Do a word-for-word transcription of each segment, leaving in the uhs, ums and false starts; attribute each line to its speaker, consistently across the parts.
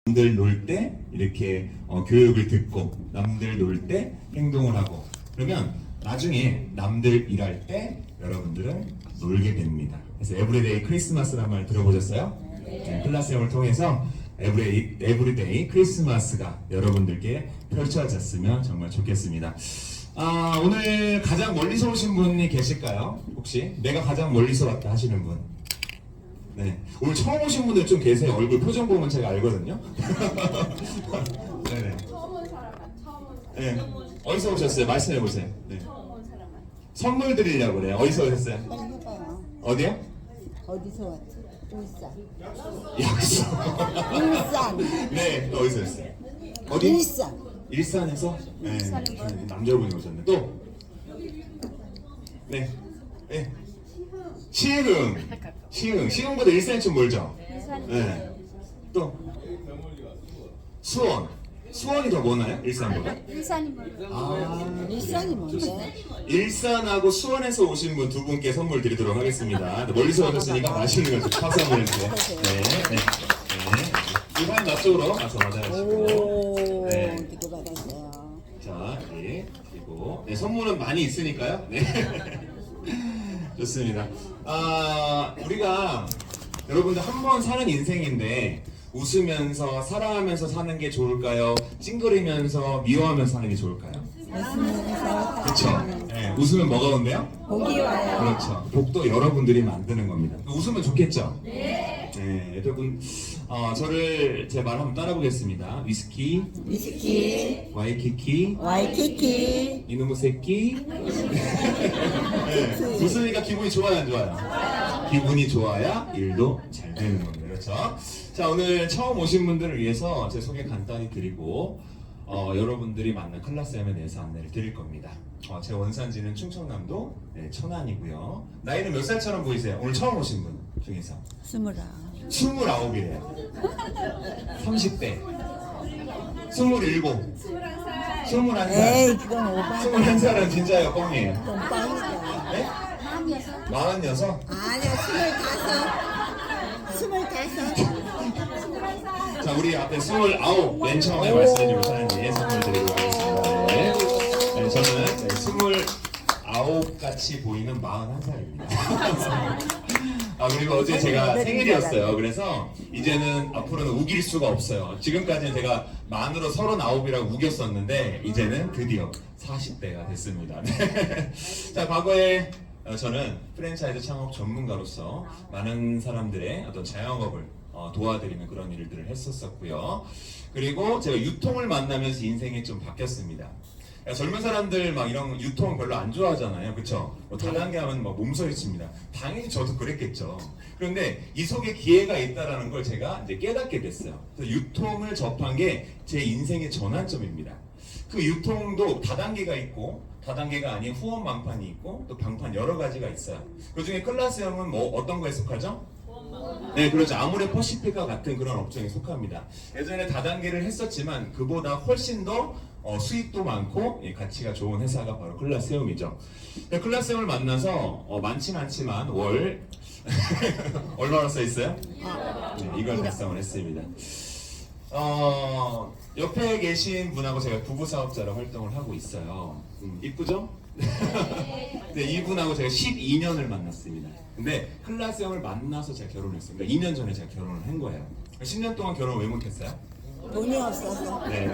Speaker 1: 남들 놀 때 이렇게 어, 교육을 듣고 남들 놀 때 행동을 하고 그러면 나중에 남들 일할 때 여러분들은 놀게 됩니다. 그래서 에브리데이 크리스마스란 말 들어보셨어요? 네, 클라스형을 통해서 에브리, 에브리데이 크리스마스가 여러분들께 펼쳐졌으면 정말 좋겠습니다. 아, 오늘 가장 멀리서 오신 분이 계실까요? 혹시 내가 가장 멀리서 왔다 하시는 분? 네, 오늘 처음 오신 분들 좀 계세요. 얼굴 표정 보면 제가 알거든요. 네네.
Speaker 2: 처음 온 사람만, 처음 온 사람.
Speaker 1: 네. 어디서 오셨어요? 말씀해 보세요. 네.
Speaker 2: 처음 온 사람만.
Speaker 1: 선물 드리려고 그래요. 어디서 오셨어요?
Speaker 3: 빨리 해봐요.
Speaker 1: 어디요?
Speaker 3: 어디서 왔지? 울산.
Speaker 1: 약속.
Speaker 3: 울산.
Speaker 1: 네, 또 어디서 오셨어요? 어디?
Speaker 3: 일산.
Speaker 1: 일산에서? 네. 남자분이 오셨네. 또? 네. 네. 시흥. 시흥. 시흥보다 일산이 좀 멀죠? 네. 또? 수원. 수원이 더 머나요? 일산보다?
Speaker 2: 일산이 멀어요.
Speaker 1: 아,
Speaker 3: 일산이 뭔데?
Speaker 1: 일산하고 수원에서 오신 분 두 분께 선물 드리도록 하겠습니다. 멀리서 오셨으니까 맛있는 걸 파선을 이렇게. 네, 네, 네. 이번엔 앞쪽으로 가서 맞아가지고.
Speaker 3: 오,
Speaker 1: 네.
Speaker 3: 어떻게 받았어요?
Speaker 1: 자, 네, 그리고 네, 선물은 많이 있으니까요. 네. 좋습니다. 아, 우리가 여러분들 한 번 사는 인생인데 웃으면서 사랑하면서 사는 게 좋을까요? 찡그리면서 미워하면서 사는 게 좋을까요?
Speaker 3: 웃으면서
Speaker 1: 그렇죠. 네, 웃으면 뭐가 온대요?
Speaker 3: 복이 와요.
Speaker 1: 그렇죠. 복도 여러분들이 만드는 겁니다. 웃으면 좋겠죠? 네. 네, 여러분, 어, 저를 제 말 한번 따라보겠습니다. 위스키,
Speaker 3: 위스키,
Speaker 1: 와이키키,
Speaker 3: 와이키키,
Speaker 1: 이놈의 새끼. 네, 웃으니까 기분이 좋아요, 안 좋아요? 기분이 좋아야 일도 잘 되는 겁니다. 그렇죠? 자, 오늘 처음 오신 분들을 위해서 제 소개 간단히 드리고 어, 여러분들이 만난 클라스엠에 대해서 안내를 드릴 겁니다. 어, 제 원산지는 충청남도 네, 천안이고요. 나이는 몇 살처럼 보이세요? 오늘 처음 오신 분 중에서
Speaker 3: 스물아.
Speaker 1: 스물아홉이래요. 삼십 대 스물일곱 스물한 살
Speaker 3: 에이, 그건 오바.
Speaker 1: 스물한 살은 진짜예요, 뻥이에요.
Speaker 3: 그건 빵이다.
Speaker 1: 네? 마흔여섯?
Speaker 3: 아니야, 스물다섯. 스물다섯.
Speaker 1: 자, 우리 앞에 스물아홉 맨 처음에 말씀해주신 사연님 선물 드리도록 하겠습니다. 네. 네, 저는 네, 스물아홉 같이 보이는 마흔한 살입니다. 아, 그리고 어제 제가 생일이었어요. 그래서 이제는 앞으로는 우길 수가 없어요. 지금까지는 제가 만으로 서른아홉이라고 우겼었는데 이제는 드디어 사십 대가 됐습니다. 네. 자, 과거에 어, 저는 프랜차이즈 창업 전문가로서 많은 사람들의 어떤 자영업을 어, 도와드리는 그런 일들을 했었었고요. 그리고 제가 유통을 만나면서 인생이 좀 바뀌었습니다. 야, 젊은 사람들 막 이런 유통 별로 안 좋아하잖아요, 그렇죠? 뭐 다단계 하면 막 몸서리칩니다. 당연히 저도 그랬겠죠. 그런데 이 속에 기회가 있다라는 걸 제가 이제 깨닫게 됐어요. 그래서 유통을 접한 게 제 인생의 전환점입니다. 그 유통도 다단계가 있고 다단계가 아닌 후원 방판이 있고 또 방판 여러 가지가 있어요. 그 중에 클라스형은 뭐 어떤 거에 속하죠? 네, 그렇죠. 아모레 퍼시픽과 같은 그런 업종에 속합니다. 예전에 다단계를 했었지만 그보다 훨씬 더 어, 수익도 많고 예, 가치가 좋은 회사가 바로 클라스형이죠. 클라스형을 만나서 어, 많진 않지만 월 얼마나 써 있어요? 네, 이걸 달성을 했습니다. 어, 옆에 계신 분하고 제가 부부 사업자로 활동을 하고 있어요. 음, 이쁘죠? 네, 이분하고 제가 십이 년을 만났습니다. 근데 클라스형을 만나서 제가 결혼했어요. 그러니까 이 년 전에 제가 결혼을 한 거예요. 십 년 동안 결혼을 왜 못했어요?
Speaker 3: 돈이 없어서.
Speaker 1: 네.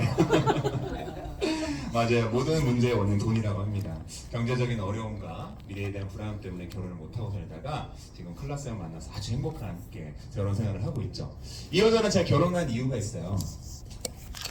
Speaker 1: 맞아요. 모든 문제의 원인 돈이라고 합니다. 경제적인 어려움과 미래에 대한 불안 때문에 결혼을 못하고 살다가 지금 클라스형 만나서 아주 행복하게 결혼 생활을 하고 있죠. 이 여자는 제가 결혼한 이유가 있어요.